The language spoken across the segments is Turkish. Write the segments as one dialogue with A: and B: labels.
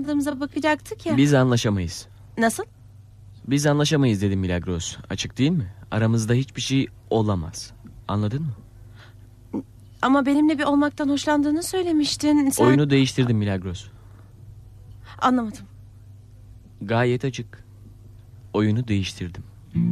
A: anlaşmadığımıza bakacaktık ya.
B: Biz anlaşamayız.
A: Nasıl?
B: Biz anlaşamayız dedim Milagros. Açık değil mi? Aramızda hiçbir şey olamaz. Anladın mı?
A: Ama benimle bir olmaktan hoşlandığını söylemiştin. Sen...
B: Oyunu değiştirdim Milagros.
A: Anlamadım.
B: Gayet açık. Oyunu değiştirdim.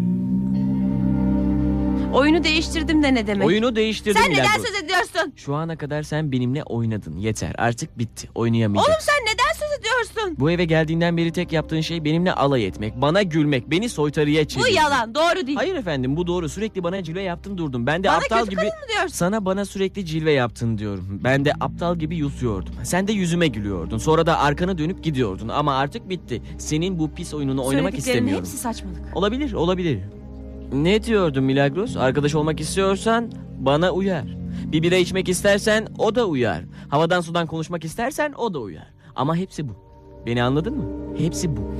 A: Oyunu değiştirdim de ne demek?
B: Oyunu değiştirdim
A: Sen neden
B: Milagros.
A: söz ediyorsun?
B: Şu ana kadar sen benimle oynadın. Yeter, artık bitti. Oynayamayacaksın.
A: Oğlum sen neden söz ediyorsun?
B: Bu eve geldiğinden beri tek yaptığın şey benimle alay etmek, bana gülmek, beni soytarıya
A: Bu
B: çevirmek.
A: yalan, doğru değil.
B: Hayır efendim, bu doğru. Sürekli bana cilve yaptın durdun. Ben de
A: Bana
B: aptal
A: kötü
B: gibi...
A: kadın mı diyorsun?
B: Sana bana sürekli cilve yaptın diyorum. Ben de aptal gibi yutuyordum. Sen de yüzüme gülüyordun. Sonra da arkanı dönüp gidiyordun. Ama artık bitti. Senin bu pis oyununu oynamak
A: Söylediklerinin
B: istemiyorum.
A: hepsi saçmalık.
B: Olabilir, olabilir. Ne diyordun Milagros? Arkadaş olmak istiyorsan bana uyar. Bir bira içmek istersen o da uyar. Havadan sudan konuşmak istersen o da uyar. Ama hepsi bu. Beni anladın mı? Hepsi bu.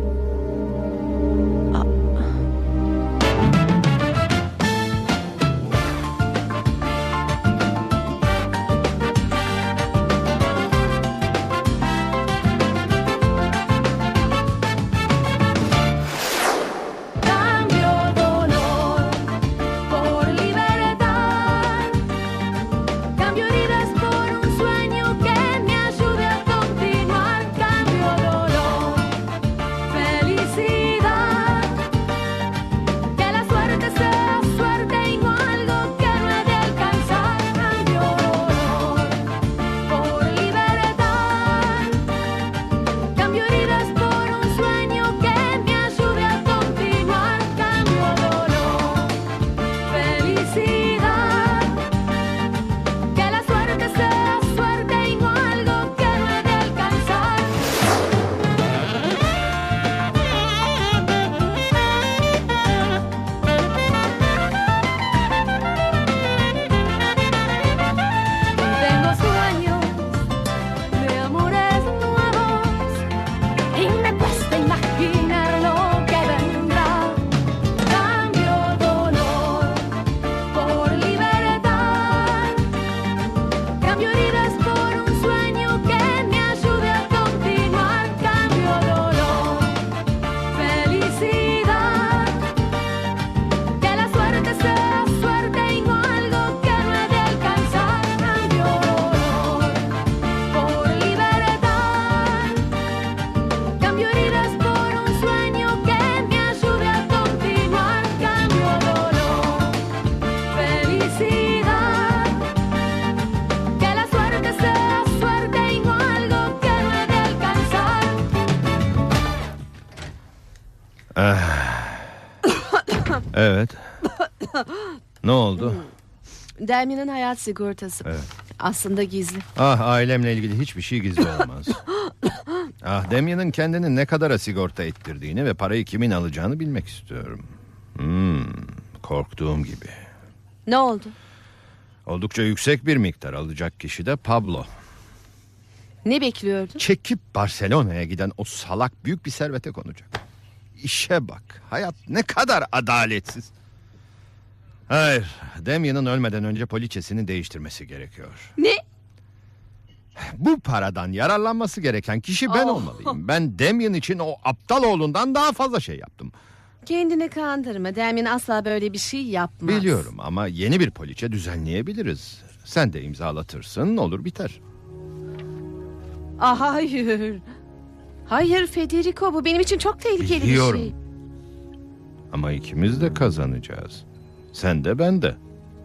C: Evet. Ne oldu?
D: Damien'in hayat sigortası.
C: Evet.
D: Aslında gizli.
C: Ah, ailemle ilgili hiçbir şey gizli olamaz. Ah, Damien'in kendini ne kadara sigorta ettirdiğini ve parayı kimin alacağını bilmek istiyorum. Korktuğum gibi.
D: Ne oldu?
C: Oldukça yüksek bir miktar alacak kişi de Pablo.
D: Ne bekliyordun?
C: Çekip Barcelona'ya giden o salak büyük bir servete konacak. İşe bak. Hayat ne kadar adaletsiz. Hayır, Damien'in ölmeden önce poliçesini değiştirmesi gerekiyor.
D: Ne?
C: Bu paradan yararlanması gereken kişi ben olmalıyım. Ben Damien için o aptal oğlundan daha fazla şey yaptım.
D: Kendini kandırma. Damien asla böyle bir şey yapmaz.
C: Biliyorum ama yeni bir poliçe düzenleyebiliriz. Sen de imzalatırsın, olur biter.
D: Ah, hayır. Hayır Federico, bu benim için çok tehlikeli
C: Biliyorum.
D: bir şey.
C: Ama ikimiz de kazanacağız. Sen de ben de.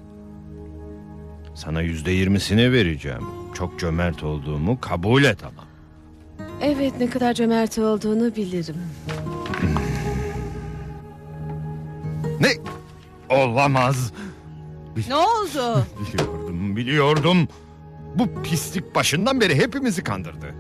C: Sana %20'sini vereceğim. Çok cömert olduğumu kabul et ama.
D: Evet, ne kadar cömert olduğunu bilirim.
C: Ne? Olamaz.
A: Ne oldu?
C: Biliyordum. Bu pislik başından beri hepimizi kandırdı.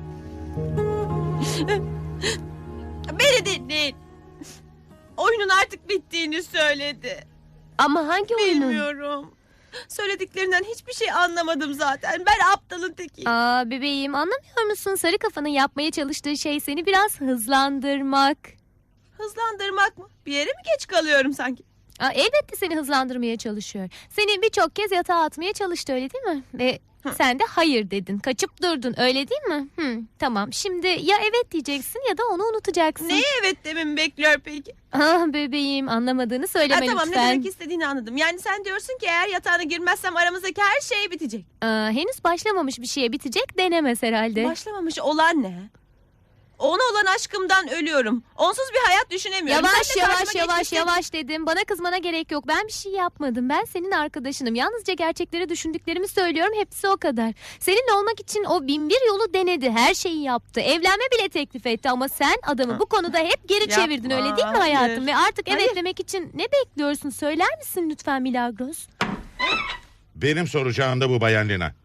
A: Beni dinleyin. Oyunun artık bittiğini söyledi.
E: Ama hangi oyunun?
A: Bilmiyorum. Söylediklerinden hiçbir şey anlamadım zaten. Ben aptalın tekiyim.
E: Aa bebeğim, anlamıyor musun? Sarı kafanın yapmaya çalıştığı şey seni biraz hızlandırmak.
A: Hızlandırmak mı? Bir yere mi geç kalıyorum sanki?
E: Elbette seni hızlandırmaya çalışıyor. Seni birçok kez yatağa atmaya çalıştı, öyle değil mi? Ve Sen de hayır dedin. Kaçıp durdun öyle değil mi? Tamam şimdi ya evet diyeceksin ya da onu unutacaksın.
A: Neye evet dememi bekliyor peki?
E: Ah bebeğim anlamadığını söyleme
A: Tamam, ne
E: lütfen.
A: demek istediğini anladım. Yani sen diyorsun ki eğer yatağına girmezsem aramızdaki her şey bitecek.
E: Henüz başlamamış bir şeye bitecek denemez herhalde.
A: Başlamamış olan ne? Ona olan aşkımdan ölüyorum. Onsuz bir hayat düşünemiyorum.
E: Yavaş
A: Sen de
E: yavaş
A: karşıma
E: yavaş
A: geçmişsin.
E: yavaş dedim. Bana kızmana gerek yok. Ben bir şey yapmadım. Ben senin arkadaşınım. Yalnızca gerçekleri düşündüklerimi söylüyorum. Hepsi o kadar. Seninle olmak için o bin bir yolu denedi. Her şeyi yaptı. Evlenme bile teklif etti ama sen adamı bu konuda hep geri
A: Yapma,
E: çevirdin öyle değil mi hayatım?
A: hayır.
E: Ve artık evet
A: Hayır.
E: demek için ne bekliyorsun? Söyler misin lütfen Milagros?
F: Benim soracağım da bu Bayan Lina.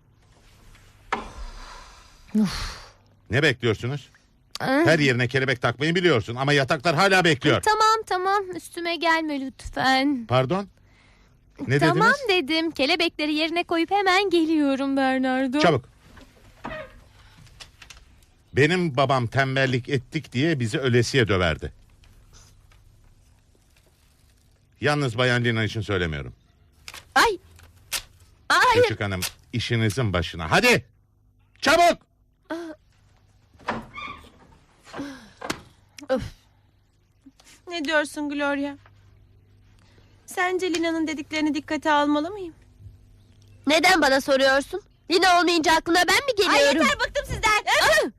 F: Ne bekliyorsunuz? Her yerine kelebek takmayı biliyorsun ama yataklar hala bekliyor.
E: Tamam üstüme gelme lütfen.
F: Pardon? Ne
E: Tamam
F: dediniz?
E: dedim. Kelebekleri yerine koyup hemen geliyorum Bernardo.
F: Çabuk. Benim babam tembellik ettik diye bizi ölesiye döverdi. Yalnız Bayan Lina için söylemiyorum.
A: Ay. Hayır.
F: Küçük hanım işinizin başına. Hadi. Çabuk.
A: Ne diyorsun Gloria? Sence Lina'nın dediklerini dikkate almalı mıyım?
G: Neden bana soruyorsun? Lina olmayınca aklına ben mi
A: Ay
G: geliyorum?
A: yeter, bıktım sizden.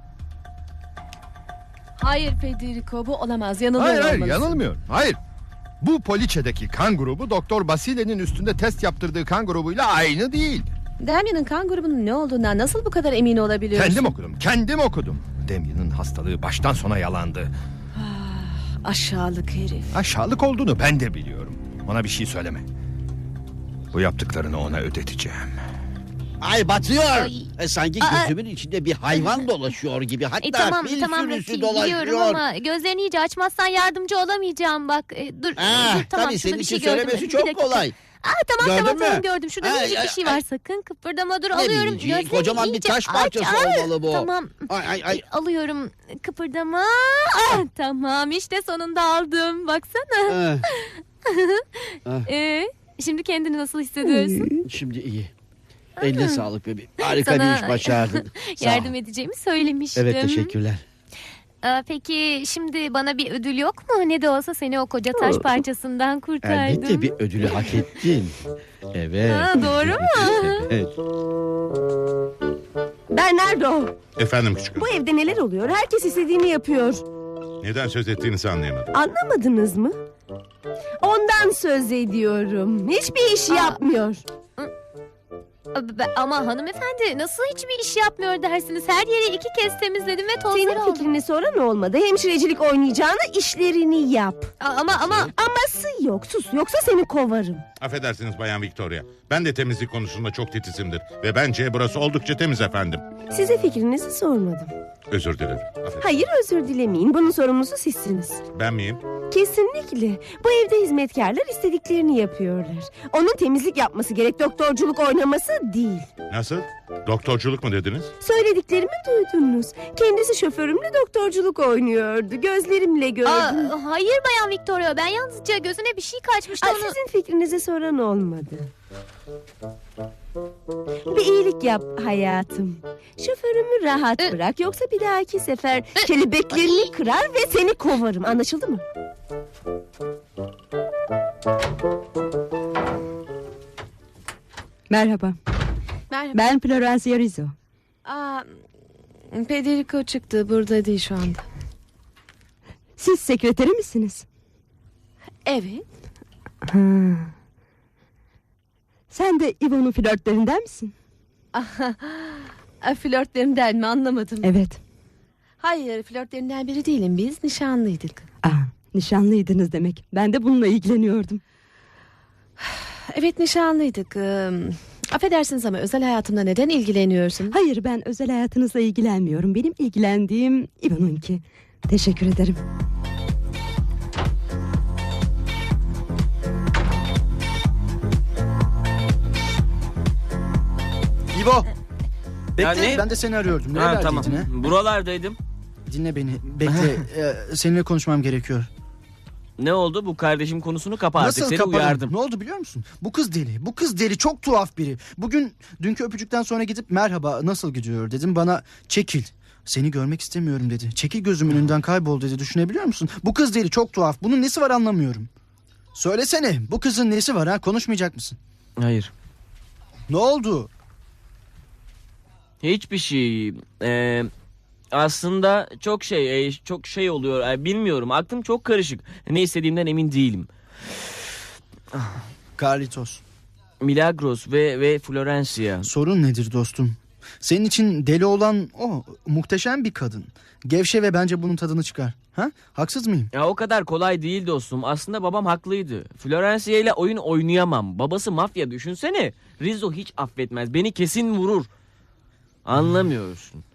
D: Hayır Federico bu olamaz.
C: Hayır
D: Yanılıyor
C: hayır
D: olmalısın.
C: yanılmıyorum. Hayır. Bu poliçedeki kan grubu Doktor Basile'nin üstünde test yaptırdığı kan grubuyla aynı değil.
D: Damien'in kan grubunun ne olduğundan nasıl bu kadar emin olabiliyorsun?
C: Kendim okudum. Damien'in hastalığı baştan sona yalandı.
D: Aşağılık herif.
C: Aşağılık olduğunu ben de biliyorum. Ona bir şey söyleme. Bu yaptıklarını ona ödeteceğim.
H: Ay batıyor.
E: Ay.
H: Sanki gözümün içinde bir hayvan dolaşıyor gibi. Hatta
E: Tamam
H: fil
E: tamam
H: sürüsü
E: Rocky
H: dolaşıyor.
E: biliyorum ama gözlerini iyice açmazsan yardımcı olamayacağım bak. Dur tamam
H: Tabii
E: şurada
H: senin
E: bir
H: için
E: şey gördüm.
H: söylemesi
E: Bir
H: çok
E: dakika.
H: kolay.
E: Tamam
H: Gördün
E: tamam
H: mü?
E: gördüm. Şurada
H: Ay,
E: minicik
H: ay,
E: bir şey
H: ay.
E: var sakın kıpırdama dur
H: Ne
E: alıyorum.
H: minicik,
E: Gözlerini
H: kocaman bir
E: iyice
H: taş parçası olmalı bu.
E: Tamam
H: Ay.
E: alıyorum kıpırdama. Tamam işte sonunda aldım baksana. Şimdi kendini nasıl hissediyorsun?
H: Şimdi iyi. Eline sağlık bebeğim. Harika
E: Sana
H: bir iş başardın. Sağ ol.
E: Yardım edeceğimi söylemiştim.
H: Evet teşekkürler.
E: Peki şimdi bana bir ödül yok mu? Ne de olsa seni o koca taş parçasından kurtardım.
H: Elbette bir ödülü hak ettin. Evet.
E: Doğru mu?
H: Evet.
G: Bernardo,
F: Efendim küçük hanım.
G: bu evde neler oluyor? Herkes istediğini yapıyor.
F: Neden söz ettiğinizi anlayamadım.
G: Anlamadınız mı? Ondan söz ediyorum. Hiçbir iş yapmıyor.
E: Ama hanımefendi nasıl hiçbir iş yapmıyor dersiniz? Her yeri 2 kez temizledim ve tozları
G: Senin
E: oldu.
G: fikrini soran olmadı. Hemşirecilik oynayacağına işlerini yap.
E: Ama
G: Aması yok. Sus. Yoksa seni kovarım.
F: Affedersiniz Bayan Victoria. Ben de temizlik konusunda çok titizimdir. Ve bence burası oldukça temiz efendim.
G: Size fikrinizi sormadım.
F: Özür dilerim. Affedersiniz.
G: Hayır, özür dilemeyin. Bunun sorumlusu sizsiniz.
F: Ben miyim?
G: Kesinlikle. Bu evde hizmetkarlar istediklerini yapıyorlar. Onun temizlik yapması gerek, doktorculuk oynaması değil.
F: Nasıl? Doktorculuk mu dediniz?
G: Söylediklerimi duydunuz. Kendisi şoförümle doktorculuk oynuyordu. Gözlerimle gördüm.
E: hayır Bayan Victoria ben yalnızca gözüne bir şey kaçmıştı onu.
G: Sizin fikrinizi soran olmadı. Bir iyilik yap hayatım. Şoförümü rahat bırak, yoksa bir dahaki sefer kelebeklerini kırar ve seni kovarım. Anlaşıldı mı?
I: Merhaba,
D: Merhaba.
I: ben Florencia Rizzo.
D: Federico çıktı. Burada değil şu anda.
I: Siz sekreteri misiniz?
D: Evet.
I: Sen de Ivo'nun flörtlerinden misin?
D: Flörtlerimden mi anlamadım.
I: Evet.
D: Hayır flörtlerinden biri değilim. Biz nişanlıydık.
I: Nişanlıydınız demek. Ben de bununla ilgileniyordum.
D: Evet nişanlıydık. Affedersiniz ama özel hayatımda neden ilgileniyorsun?
I: Hayır, ben özel hayatınızla ilgilenmiyorum. Benim ilgilendiğim Ivo'nunki. Teşekkür ederim.
J: İbo. Bekle
B: ne?
J: ben de seni arıyordum. Nerelerdeydin
B: Tamam.
J: ha?
B: Buralardaydım.
J: Dinle beni. Bekle. Seninle konuşmam gerekiyor.
B: Ne oldu? Bu kardeşim konusunu kapa artık.
J: Nasıl
B: Seni
J: kapadım?
B: uyardım.
J: Ne oldu biliyor musun? Bu kız deli. Bu kız deli. Çok tuhaf biri. Bugün dünkü öpücükten sonra gidip merhaba nasıl gidiyor dedim. Bana çekil. Seni görmek istemiyorum dedi. Çekil gözümün önünden kaybol dedi. Düşünebiliyor musun? Bu kız deli. Çok tuhaf. Bunun nesi var anlamıyorum. Söylesene. Bu kızın nesi var ha? Konuşmayacak mısın?
B: Hayır.
J: Ne oldu?
B: Hiçbir şey. Aslında çok şey oluyor. Bilmiyorum. Aklım çok karışık. Ne istediğimden emin değilim.
J: Carlitos.
B: Milagros ve Florencia.
J: Sorun nedir dostum? Senin için deli olan o. Muhteşem bir kadın. Gevşe ve bence bunun tadını çıkar. Ha? Haksız mıyım?
B: Ya o kadar kolay değil dostum. Aslında babam haklıydı. Florencia ile oyun oynayamam. Babası mafya, düşünsene. Rizzo hiç affetmez. Beni kesin vurur. Anlamıyorsun.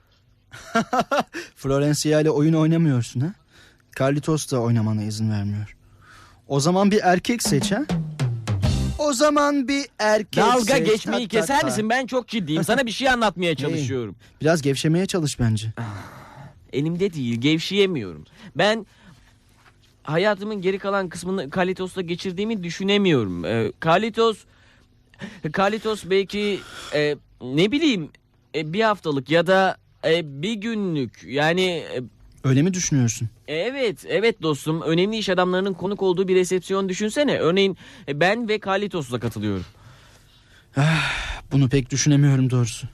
J: Florencia ile oyun oynamıyorsun ha? Carlitos da oynamana izin vermiyor. O zaman bir erkek seç ha? O zaman bir erkek
B: Dalga
J: seç.
B: geçmeyi keser misin? Ben çok ciddiyim. Sana bir şey anlatmaya çalışıyorum.
J: Biraz gevşemeye çalış bence.
B: Elimde değil. Gevşeyemiyorum. Ben hayatımın geri kalan kısmını Carlitos'la geçirdiğimi düşünemiyorum. Carlitos belki ne bileyim bir haftalık ya da bir günlük yani
J: Öyle mi düşünüyorsun?
B: evet dostum, önemli iş adamlarının konuk olduğu bir resepsiyon düşünsene. Örneğin ben ve Carlitos'la katılıyorum.
J: Bunu pek düşünemiyorum doğrusu.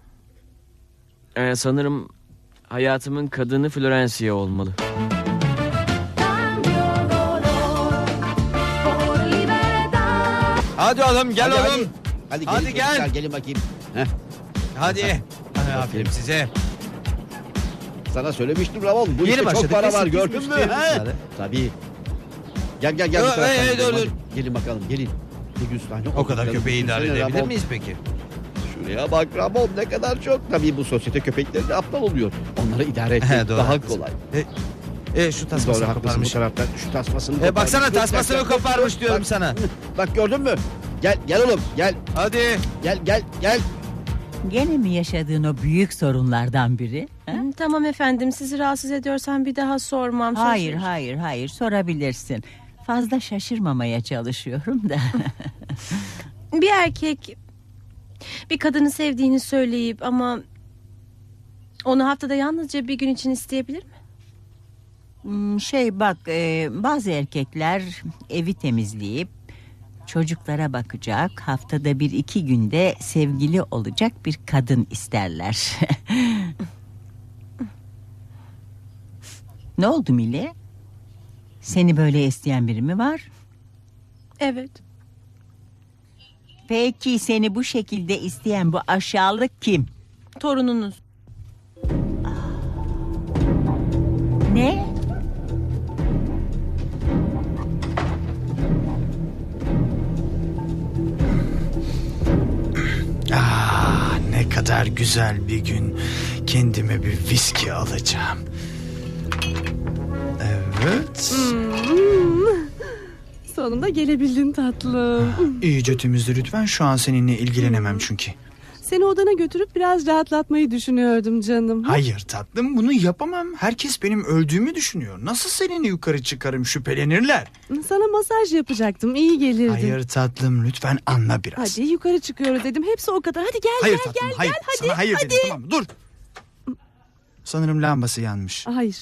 B: Sanırım hayatımın kadını Florencia olmalı.
K: Hadi oğlum gel
H: Hadi,
K: oğlum.
H: Hadi,
K: Hadi
H: gelin
K: gel.
H: çocuklar, gelin bakayım. Heh,
K: Hadi. Aferin size.
H: sana söylemiştim Ramon. Bu
K: Yeni
H: işte
K: başladık.
H: çok para
K: Biz
H: var,
K: biz
H: gördün mü?
K: müşterimiz
H: He?
K: var.
H: Tabii. Gel bu
K: Yo,
H: taraftan gidelim,
K: dur,
H: hadi.
K: dur.
H: Gelin bakalım, gelin. Bir gün sahne
K: O kadar
H: okuyalım.
K: köpeği idare
H: Düşünsene
K: edebilir
H: Ramon.
K: miyiz peki?
H: Şuraya bak Ramon, ne kadar çok. Tabii bu sosyete köpekleri de aptal oluyor. Onları idare
K: He,
H: etmek
K: doğru,
H: daha
K: haklısın.
H: kolay.
K: Şu
H: Doğru
K: tasmasını
H: haklısın, bu
K: koparmış.
H: taraftan şu tasmasını koparmış.
K: Baksana
H: Dur,
K: tasmasını
H: bak,
K: koparmış diyorum
H: bak.
K: sana.
H: Bak gördün mü? Gel oğlum, gel.
K: Hadi.
H: Gel.
L: Gene mi yaşadığın o büyük sorunlardan biri? Ha?
A: Tamam efendim, sizi rahatsız ediyorsam bir daha sormam. Söz
L: Hayır,
A: veriyorum.
L: hayır, sorabilirsin. Fazla şaşırmamaya çalışıyorum da.
A: Bir erkek bir kadını sevdiğini söyleyip ama onu haftada yalnızca bir gün için isteyebilir mi?
L: Bak, bazı erkekler evi temizleyip çocuklara bakacak, haftada 1-2 günde sevgili olacak bir kadın isterler. Ne oldu Mile? Seni böyle isteyen biri mi var?
A: Evet.
L: Peki seni bu şekilde isteyen bu aşağılık kim?
A: Torununuz.
L: Ne?
M: Ne kadar güzel bir gün. Kendime bir viski alacağım. Evet.
I: Sonunda gelebildin tatlım.
M: İyice temizle lütfen. Şu an seninle ilgilenemem çünkü.
I: Seni odana götürüp biraz rahatlatmayı düşünüyordum canım.
M: Hayır tatlım, bunu yapamam. Herkes benim öldüğümü düşünüyor. Nasıl seninle yukarı çıkarım, şüphelenirler.
I: Sana masaj yapacaktım, iyi gelirdin.
M: Hayır tatlım, lütfen anla biraz.
I: Hadi yukarı çıkıyoruz dedim, hepsi o kadar. Hadi gel
M: Hayır
I: gel
M: tatlım,
I: gel
M: hayır.
I: gel hadi.
M: Sana hayır
I: hadi.
M: dedim, tamam mı? Dur. Sanırım lambası yanmış.
I: Hayır.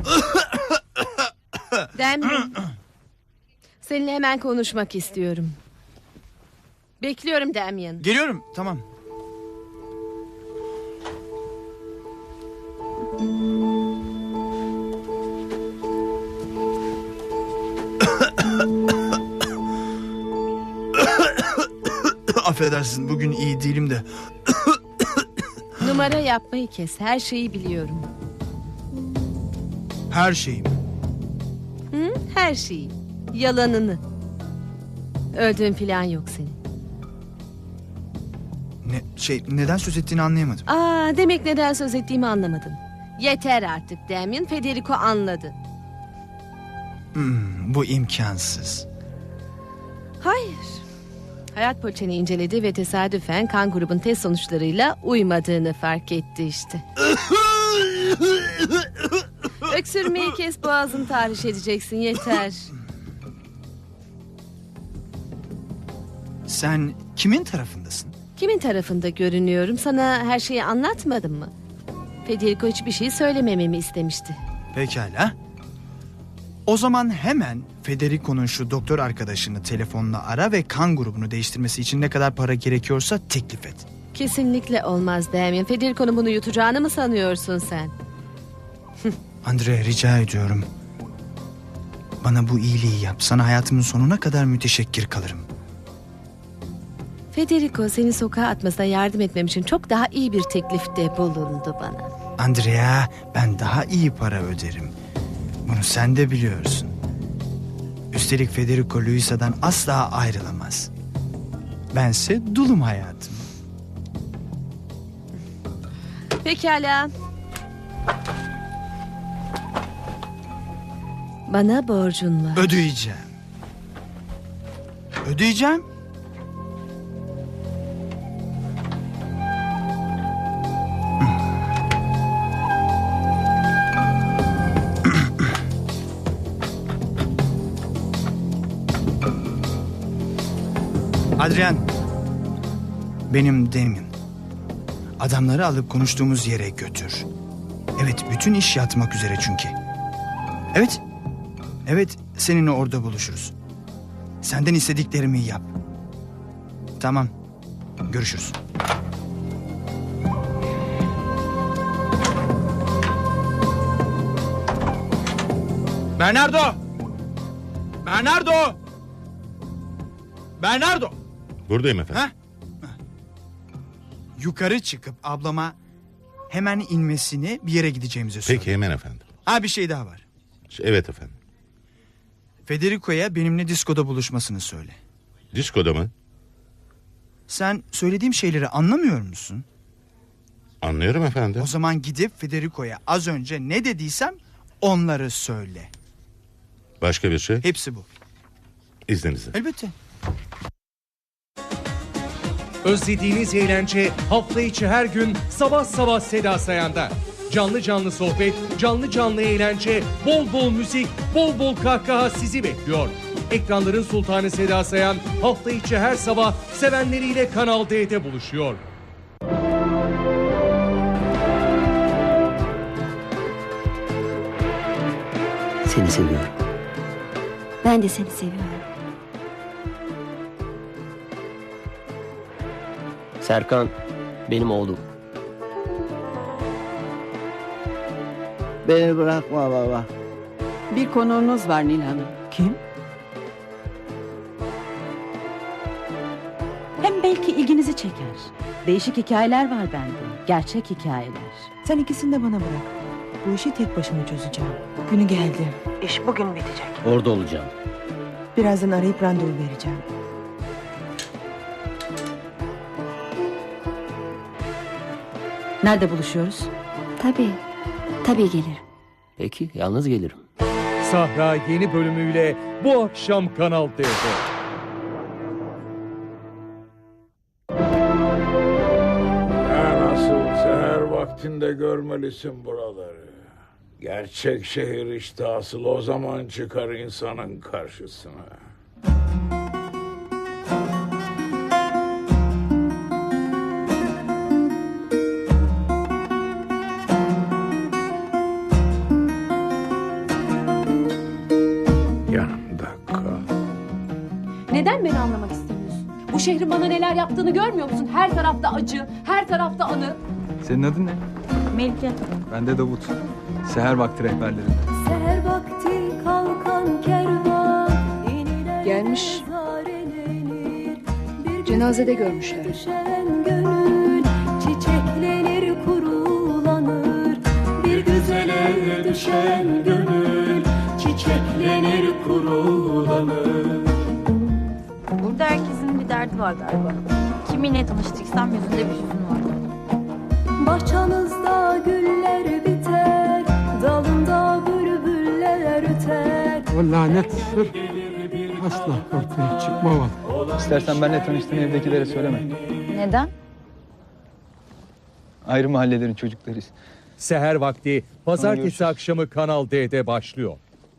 D: Damien. Seninle hemen konuşmak istiyorum. Bekliyorum Damien.
M: Geliyorum, tamam. Affedersin, bugün iyi değilim de.
D: Numara yapmayı kes. Her şeyi biliyorum.
M: Her şeyim.
D: Her şeyi. Yalanını. Öldüğün falan yok senin.
M: Neden söz ettiğini anlayamadım.
D: Demek neden söz ettiğimi anlamadın. Yeter artık Damien. Federico anladı.
M: Bu imkansız.
D: Hayır. Hayat poliçeni inceledi ve tesadüfen kan grubun test sonuçlarıyla uymadığını fark etti işte. Öksürmeyi kes, boğazını tahriş edeceksin, yeter.
M: Sen kimin tarafındasın?
D: Kimin tarafında görünüyorum? Sana her şeyi anlatmadım mı? Federico hiçbir şey söylemememi istemişti.
M: Pekala. O zaman hemen Federico'nun şu doktor arkadaşını telefonla ara ve kan grubunu değiştirmesi için ne kadar para gerekiyorsa teklif et.
D: Kesinlikle olmaz Damien. Federico'nun bunu yutacağını mı sanıyorsun sen?
M: Andrea, rica ediyorum. Bana bu iyiliği yap. Sana hayatımın sonuna kadar müteşekkir kalırım.
D: Federico seni sokağa atmasına yardım etmem için çok daha iyi bir teklifte bulundu bana.
M: Andrea, ben daha iyi para öderim. Bunu sen de biliyorsun. Üstelik Federico Luisa'dan asla ayrılamaz. Bense dulum hayatım.
D: Pekala. Bana borcun var.
M: Ödeyeceğim. Ödeyeceğim. Adrian. Benim Damien. Adamları alıp konuştuğumuz yere götür. Evet, bütün iş yatmak üzere çünkü. Evet. Evet, seninle orada buluşuruz. Senden istediklerimi yap. Tamam. Görüşürüz. Bernardo! Bernardo! Bernardo!
F: Buradayım efendim.
M: Ha? Yukarı çıkıp ablama hemen inmesini, bir yere gideceğimizi söyle.
F: Peki hemen efendim.
M: Ha, bir şey daha var.
F: Evet efendim.
M: Federico'ya benimle diskoda buluşmasını söyle.
F: Diskoda mı?
M: Sen söylediğim şeyleri anlamıyor musun?
F: Anlıyorum efendim.
M: O zaman gidip Federico'ya az önce ne dediysem onları söyle.
F: Başka bir şey?
M: Hepsi bu.
F: İzninizle.
M: Elbette.
N: Özlediğiniz eğlence hafta içi her gün sabah Seda Sayan'da. Canlı canlı sohbet, canlı canlı eğlence, bol bol müzik, bol bol kahkaha sizi bekliyor. Ekranların sultanı Seda Sayan hafta içi her sabah sevenleriyle Kanal D'de buluşuyor.
O: Seni seviyorum.
P: Ben de seni seviyorum.
O: Serkan benim oğlum. Beni bırakma baba.
Q: Bir konuğunuz var Nil Hanım.
I: Kim? Hem belki ilginizi çeker. Değişik hikayeler var bende. Gerçek hikayeler.
R: Sen ikisini de bana bırak. Bu işi tek başıma çözeceğim. Günü geldi. İş bugün bitecek.
O: Orada olacağım.
R: Birazdan arayıp randevu vereceğim.
I: Nerede buluşuyoruz?
P: Tabii gelirim.
O: Peki, yalnız gelirim.
N: Sahra yeni bölümüyle bu akşam Kanal D'de.
S: Nasıl seher vaktinde görmelisin buraları. Gerçek şehir işte asıl o zaman çıkar insanın karşısına. Yanımda kal.
T: Neden beni anlamak istemiyorsun? Bu şehrin bana neler yaptığını görmüyor musun? Her tarafta acı, her tarafta anı.
U: Senin adın ne?
T: Melike.
U: Ben de Davut. Seher vakti rehberleri.
V: Seher vakti kalkan kervan
T: Gelmiş. Cenazede görmüşler.
V: Gönül çiçeklenir kurulanır. Bir güzele düşen gönül çiçeklenir kurulanır.
W: Burada herkesin bir derdi var galiba. Kiminle tanıştıysam yüzünde bir hüzün var.
V: Bahçamızda güller biter, dalında bülbüller öter.
X: O lanet sır asla ortaya çıkmamalı.
U: İstersen benimle tanıştığın evdekilere söyleme.
W: Neden?
U: Ayrı mahallelerin çocuklarıyız.
N: Seher Vakti pazartesi akşamı Kanal D'de başlıyor.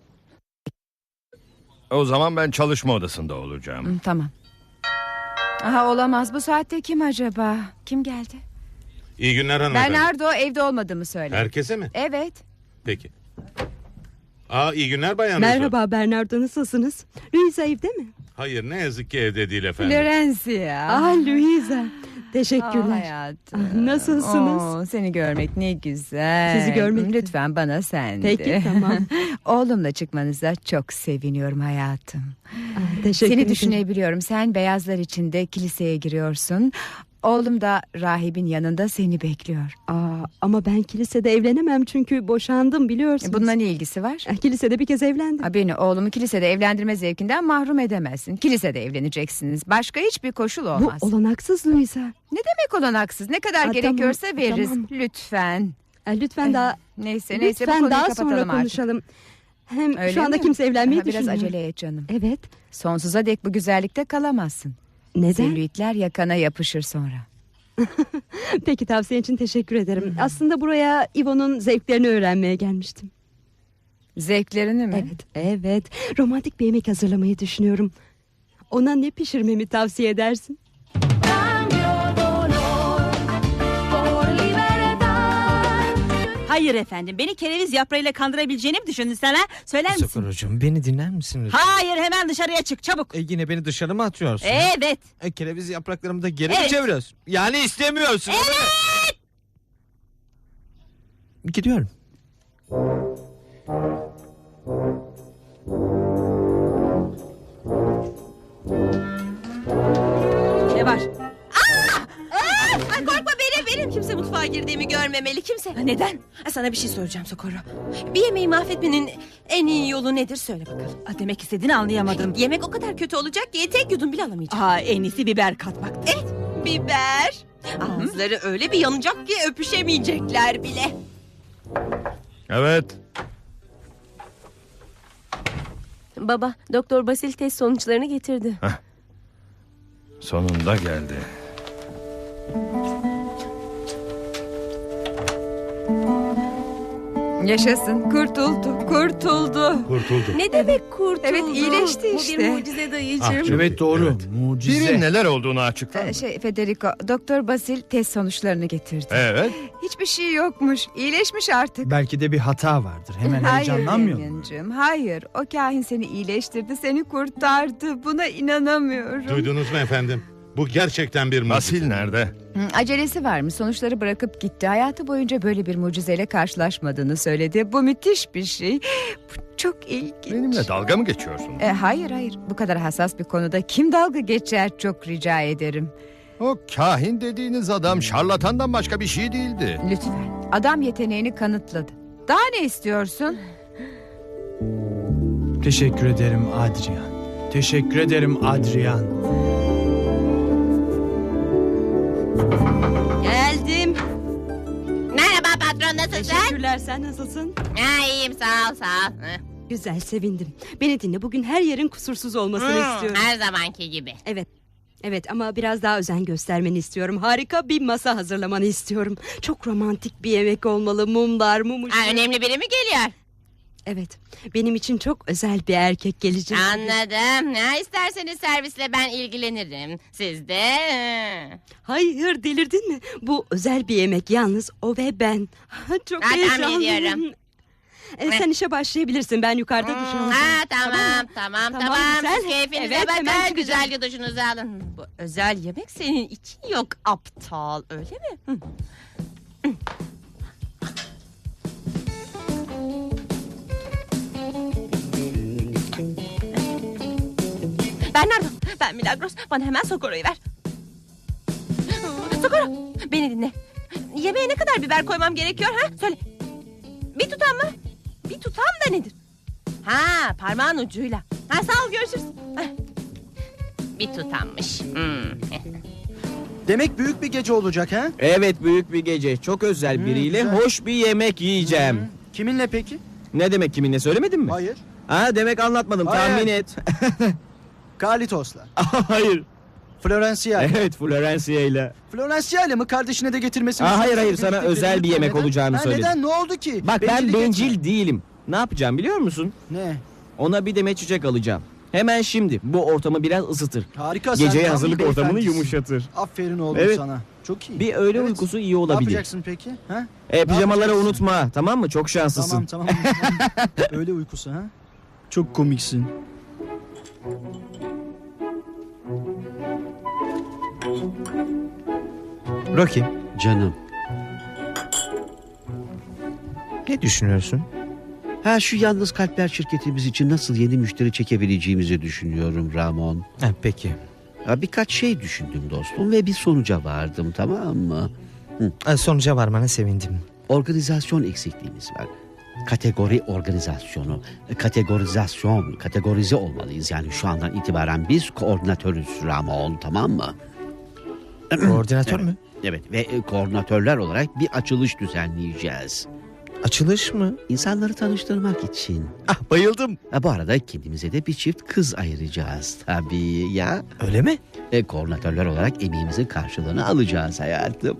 C: O zaman ben çalışma odasında olacağım.
E: Tamam. Aha, olamaz, bu saatte kim acaba? Kim geldi?
F: İyi günler hanımefendi.
E: Bernardo evde olmadığımı söyle.
F: Herkese mi?
E: Evet.
F: Peki. İyi günler Bayan
I: Merhaba
F: Rosa.
I: Bernardo, nasılsınız? Luisa evde mi?
F: Hayır, ne yazık ki evde değil efendim.
E: Florencia.
I: Luisa. Teşekkürler.
E: Hayatım.
I: Nasılsınız?
E: Seni görmek ne güzel.
I: Sizi görmek de.
E: Lütfen bana sen de.
I: Peki, tamam.
E: Oğlumla çıkmanıza çok seviniyorum hayatım.
I: Teşekkür
E: Seni
I: ederim.
E: düşünebiliyorum. Sen beyazlar içinde kiliseye giriyorsun. Oğlum da rahibin yanında seni bekliyor.
I: Ama ben kilisede evlenemem çünkü boşandım, biliyorsunuz.
E: Bununla ne ilgisi var?
I: Kilisede bir kez evlendim.
E: Beni, oğlumu kilisede evlendirme zevkinden mahrum edemezsin. Kilisede evleneceksiniz. Başka hiçbir koşul olmaz.
I: Bu olanaksız Luisa.
E: Ne demek olanaksız? Ne kadar gerekiyorsa veririz.
I: tamam.
E: Lütfen.
I: Lütfen daha...
E: Neyse bu
I: Lütfen
E: konuyu
I: daha
E: kapatalım
I: sonra
E: artık.
I: konuşalım. Hem
E: Öyle
I: şu anda
E: mi?
I: kimse evlenmeyi
E: Biraz
I: düşünmüyor.
E: acele et canım.
I: Evet.
E: Sonsuza dek bu güzellikte kalamazsın.
I: Neden?
E: Selülitler yakana yapışır sonra.
I: Peki, tavsiyen için teşekkür ederim. Aslında buraya İvo'nun zevklerini öğrenmeye gelmiştim.
E: Zevklerini mi?
I: Evet. Romantik bir yemek hazırlamayı düşünüyorum. Ona ne pişirmemi tavsiye edersin?
L: Hayır efendim, beni kereviz yaprağıyla kandırabileceğini mi düşündün sen ha? Söyler misin?
K: Sakuracığım, beni dinler misin lütfen?
L: Hayır, hemen dışarıya çık çabuk.
K: Yine beni dışarı mı atıyorsun?
L: Evet.
K: Kereviz yapraklarımı da geri mi
L: Evet.
K: çeviriyorsun? Yani istemiyorsun.
L: Evet.
K: Gidiyorum.
A: Ne var?
G: Ay korkma, benim. Kimse mutfağa girdiğimi görmemeli, kimse.
A: Neden? Sana bir şey soracağım Socorro. Bir yemeği mahvetmenin en iyi yolu nedir, söyle bakalım.
L: Demek istediğini anlayamadım.
A: Yemek o kadar kötü olacak ki tek yudum bile alamayacağım.
L: En iyisi biber katmak.
G: Evet, biber. Ağızları öyle bir yanacak ki öpüşemeyecekler bile.
C: Evet.
A: Baba, Doktor Basil test sonuçlarını getirdi.
C: Sonunda geldi.
E: Yaşasın, kurtuldu.
F: Kurtuldu.
A: Ne demek kurtuldu?
E: Evet, iyileşti
A: Bu
E: işte.
A: bir mucize dayıcığım.
K: Evet, doğru. Mucize.
C: Birin neler olduğunu açıklar.
E: Federico, Doktor Basil test sonuçlarını getirdi.
C: Evet.
E: Hiçbir şey yokmuş. İyileşmiş artık.
M: Belki de bir hata vardır. Hemen
E: Hayır
M: heyecanlanmıyor mu?
E: Damian'cığım, hayır. O kahin seni iyileştirdi, seni kurtardı. Buna inanamıyorum.
F: Duydunuz mu efendim? Bu gerçekten bir mucize.
C: Basil nerede?
E: Acelesi var mı? Sonuçları bırakıp gitti. Hayatı boyunca böyle bir mucizeyle karşılaşmadığını söyledi. Bu müthiş bir şey. Bu çok ilginç.
C: Benimle dalga mı geçiyorsun?
E: Hayır. Bu kadar hassas bir konuda kim dalga geçer, çok rica ederim.
C: O kahin dediğiniz adam şarlatandan başka bir şey değildi.
E: Lütfen. Adam yeteneğini kanıtladı. Daha ne istiyorsun?
M: Teşekkür ederim Adrian. Teşekkür ederim Adrian.
G: Geldim. Merhaba patron, nasılsın?
I: Teşekkürler, sen nasılsın?
G: İyiyim, sağ ol.
I: Güzel, sevindim. Beni dinle, bugün her yerin kusursuz olmasını istiyorum.
G: Her zamanki gibi.
I: Evet, ama biraz daha özen göstermeni istiyorum. Harika bir masa hazırlamanı istiyorum. Çok romantik bir yemek olmalı. Mumlar, mum ışığı.
G: Önemli biri mi geliyor?
I: Evet, benim için çok özel bir erkek gelecek.
G: Anladım. Ne isterseniz servisle ben ilgilenirim. Siz de...
I: Hayır, delirdin mi? Bu özel bir yemek, yalnız o ve ben. Çok
G: Tahmin
I: heyecanlıyım.
G: ediyorum.
I: Sen işe başlayabilirsin, ben yukarıda duş alacağım.
G: Tamam.
I: güzel.
G: Siz keyfinize
I: Evet, hemen
G: bakın.
I: çıkacağım.
G: Güzelce duşunuzu alın. Bu özel yemek senin için yok aptal, öyle mi? Bernardo, ben Milagros. Bana hemen Socorro'yu ver. Socorro, beni dinle. Yemeğe ne kadar biber koymam gerekiyor ha? Söyle. Bir tutam mı? Bir tutam da nedir? Ha, parmağın ucuyla. Ha, sağ ol, görüşürüz. Bir tutammış.
K: Demek büyük bir gece olacak ha?
B: Evet, büyük bir gece. Çok özel biriyle
K: güzel.
B: hoş bir yemek yiyeceğim.
K: Kiminle peki?
B: Ne demek kiminle, söylemedin mi?
K: Hayır.
B: Demek anlatmadım.
K: Hayır.
B: Tahmin et.
K: Kalitos'la.
B: Hayır.
M: Florencia.
B: Evet, Florencia ile.
M: Florencia ile mi? Kardeşine de getirmesini...
B: Hayır, sana özel bir yemek olacağını söyledim.
M: Neden? Ne oldu ki?
B: Bak ben
M: Bencillik
B: bencil
M: etme.
B: değilim. Ne yapacağım biliyor musun?
M: Ne?
B: Ona bir demet çiçek alacağım. Hemen şimdi. Bu ortamı biraz ısıtır.
M: Harika.
B: Geceye
M: sen
B: hazırlık
M: tam bir
B: ortamını
M: beyefendisin.
B: yumuşatır.
M: Aferin oğlum
B: Evet.
M: sana. Çok iyi.
B: Bir öğle
M: Evet.
B: uykusu iyi
M: Ne
B: olabilir.
M: yapacaksın peki? Ha?
B: Pijamaları
M: yapacaksın?
B: unutma, tamam mı? Çok şanslısın.
M: Tamam. Öyle uykusu ha? Çok komiksin.
D: Rocky,
H: Canım.
D: ne düşünüyorsun?
H: Ha, şu yalnız kalpler şirketimiz için nasıl yeni müşteri çekebileceğimizi düşünüyorum Ramon.
D: Peki.
H: Birkaç şey düşündüm dostum ve bir sonuca vardım, tamam mı?
D: Sonuca varmana sevindim.
H: Organizasyon eksikliğimiz var. Kategori organizasyonu. Kategorize olmalıyız. Yani şu andan itibaren biz koordinatörüz Ramon, tamam mı?
D: Koordinatör mü?
H: Evet ve koordinatörler olarak bir açılış düzenleyeceğiz.
D: Açılış mı?
H: İnsanları tanıştırmak için.
D: Bayıldım.
H: Bu arada kendimize de bir çift kız ayıracağız tabii ya.
D: Öyle mi?
H: Koordinatörler olarak emeğimizin karşılığını alacağız hayatım.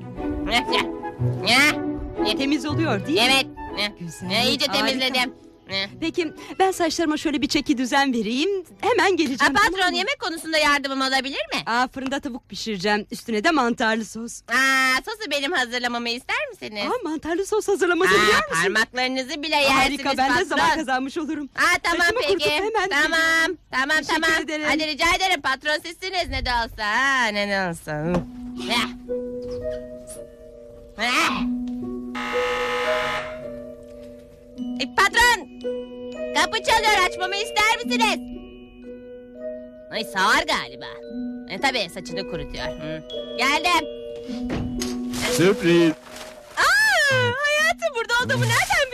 I: Temiz oluyor değil mi?
G: Evet.
I: Güzel.
G: İyice
I: harika.
G: temizledim.
I: Peki ben saçlarıma şöyle bir çeki düzen vereyim. Hemen geleceğim.
G: Patron,
I: tamam mı?
G: yemek konusunda yardımım olabilir mi?
I: Fırında tavuk pişireceğim. Üstüne de mantarlı sos.
G: Sosu benim hazırlamamı ister misiniz?
I: Mantarlı sos hazırlamayı biliyor musun?
G: Parmaklarınızı bile yersiniz
I: Harika, ben de
G: patron.
I: zaman kazanmış olurum.
G: Tamam
I: Saçımı
G: peki.
I: kurutup hemen geliyorum.
G: Tamam.
I: Teşekkür ederim.
G: Hadi rica ederim, patron sizsiniz ne de olsa. Ne de olsa. Patron! Kapı çalıyor, açmamı ister misiniz? Ay, sağır galiba. Tabii saçını kurutuyor. Geldim.
B: Sürpriz.
G: Hayatım burada olduğumu nereden